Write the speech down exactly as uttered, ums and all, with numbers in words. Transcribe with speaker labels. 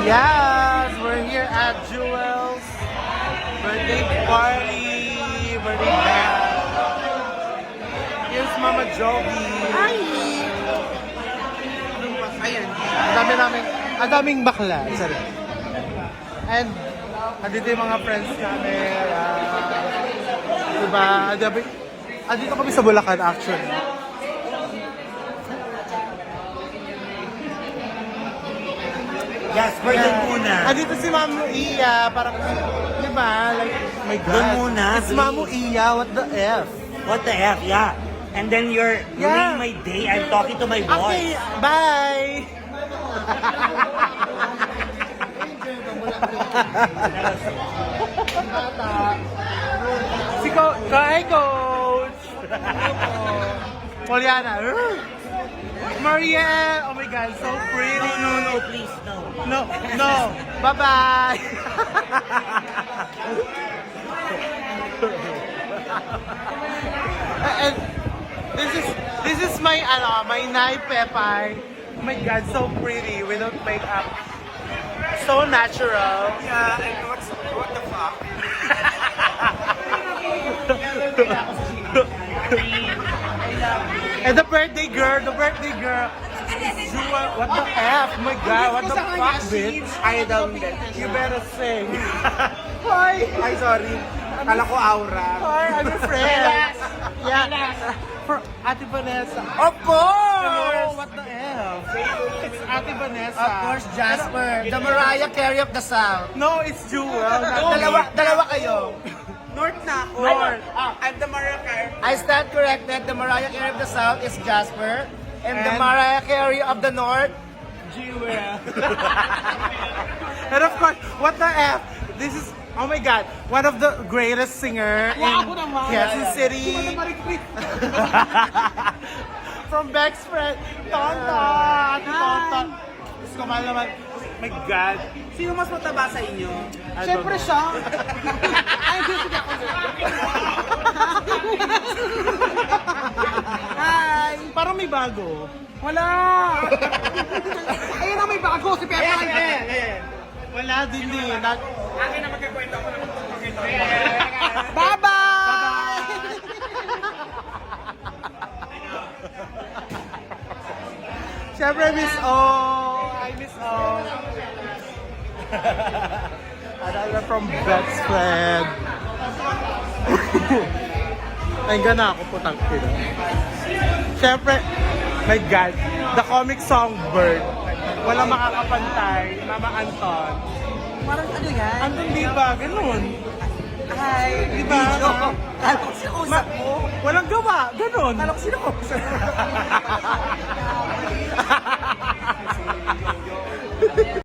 Speaker 1: Yes, we're here at Jewel's birthday party. Birthday band. Here's Mama Jogi.
Speaker 2: Hi! Ayan.
Speaker 1: Ang dami namin, ang daming bakla. Sorry. And, andito yung mga friends namin. Uh, diba? Andito, andito kami sa Bulacan actually.
Speaker 2: Yes, we're done muna.
Speaker 1: Andito si Mamu Iya, parang, di ba? Like, my God.
Speaker 2: Doon muna,
Speaker 1: It's
Speaker 2: please.
Speaker 1: Mamu Iya, what the F?
Speaker 2: What the F, yeah. And then you're
Speaker 1: Yeah.
Speaker 2: ruining my day. I'm talking to my boss.
Speaker 1: Okay, bye! si Ko, hi Coach! Poliana. Maria! Oh my God, so pretty!
Speaker 2: No, no, no, please, no.
Speaker 1: No, no. Bye-bye. And this is this is my ano, my Nai Pepay. Oh my God, so pretty without makeup. So natural.
Speaker 3: Yeah, and what's, what the fuck?
Speaker 1: And the birthday girl, the birthday girl. Jewel, what the F? Oh my God, what the fuck, bitch?
Speaker 3: I don't get
Speaker 1: You better sing. Hi!
Speaker 3: Ay, sorry. Kala ko aura.
Speaker 1: Hi, I'm your friend. Yeah. For Ate Vanessa.
Speaker 3: Of course!
Speaker 1: Oh, what the F? It's Ate Vanessa.
Speaker 3: Of course, Jasper. The Mariah Carey of the South.
Speaker 1: No, it's Jewel. not
Speaker 3: Dalawa,
Speaker 1: me.
Speaker 3: dalawa kayo.
Speaker 2: North na ako.
Speaker 1: North.
Speaker 2: I'm the Mariah Carey.
Speaker 3: I stand corrected. The Mariah Carey of the South is Jasper. And, the
Speaker 1: And-
Speaker 3: Mariah Carey of the North,
Speaker 1: Jewel. And of course, what the F? This is, oh my God, one of the greatest singer in Quezon City. From Beck's friend, Tonton. Tonton. Diyos ko, mahal naman. Oh my God.
Speaker 2: Sino mas mataba sa inyo?
Speaker 1: I don't know.
Speaker 3: siya.
Speaker 2: Ay, di sige ako. Hi!
Speaker 1: Parang may bago.
Speaker 2: Wala! Ayun na may bago, si Pepe.
Speaker 1: Wala din din. Nag-
Speaker 2: Akin na magkakwento ako na magkakwento. Bye-bye!
Speaker 1: Siyempre, Miss O. Hi, Miss O. Another from best friend. Ay, gana ako putang ina. Siyempre, my God, the comic songbird. Wala makakapantay, Mama Anton.
Speaker 2: Parang ano yan?
Speaker 1: Anton, di ba? Ganun.
Speaker 2: Hi!
Speaker 1: Di ba?
Speaker 2: Video.
Speaker 1: Ma-
Speaker 2: Kala ko sinausap mo.
Speaker 1: Walang gawa, ganun.
Speaker 2: Kala ko sinausap mo.